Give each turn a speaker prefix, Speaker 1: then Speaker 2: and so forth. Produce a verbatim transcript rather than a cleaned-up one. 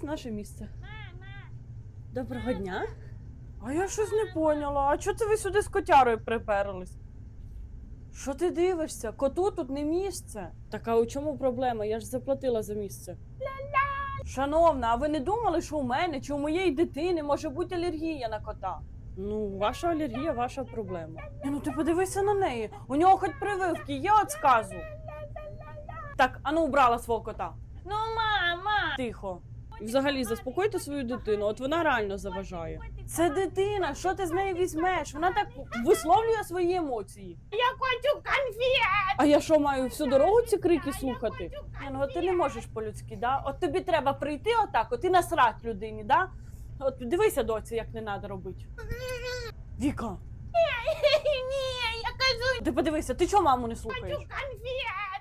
Speaker 1: наше місце. Доброго дня.
Speaker 2: А я щось не поняла. А чого це ви сюди з котярою приперлись? Що ти дивишся? Коту тут не місце.
Speaker 1: Так а у чому проблема? Я ж заплатила за місце.
Speaker 2: Шановна, а ви не думали, що у мене чи у моєї дитини може бути алергія на кота?
Speaker 1: Ну, ваша алергія, ваша проблема.
Speaker 2: Ні, ну ти подивися на неї. У нього хоч прививки є від сказу. Так, ану убрала свого кота.
Speaker 3: Ну, мама!
Speaker 2: Тихо.
Speaker 1: І взагалі, заспокойте свою дитину, от вона реально заважає.
Speaker 2: Це дитина, що ти з неї візьмеш? Вона так висловлює свої емоції.
Speaker 3: Я хочу конфет!
Speaker 1: А я що, маю всю дорогу ці крики слухати?
Speaker 2: Ні, ну от ти не можеш по-людськи, да? От тобі треба прийти отак, от і насрать людині, да? От дивися, доці, як не треба робити. Віка,
Speaker 3: Ні, я кажу,
Speaker 2: ти подивися, ти чого маму не
Speaker 3: хочу
Speaker 2: слухаєш?
Speaker 3: конфет!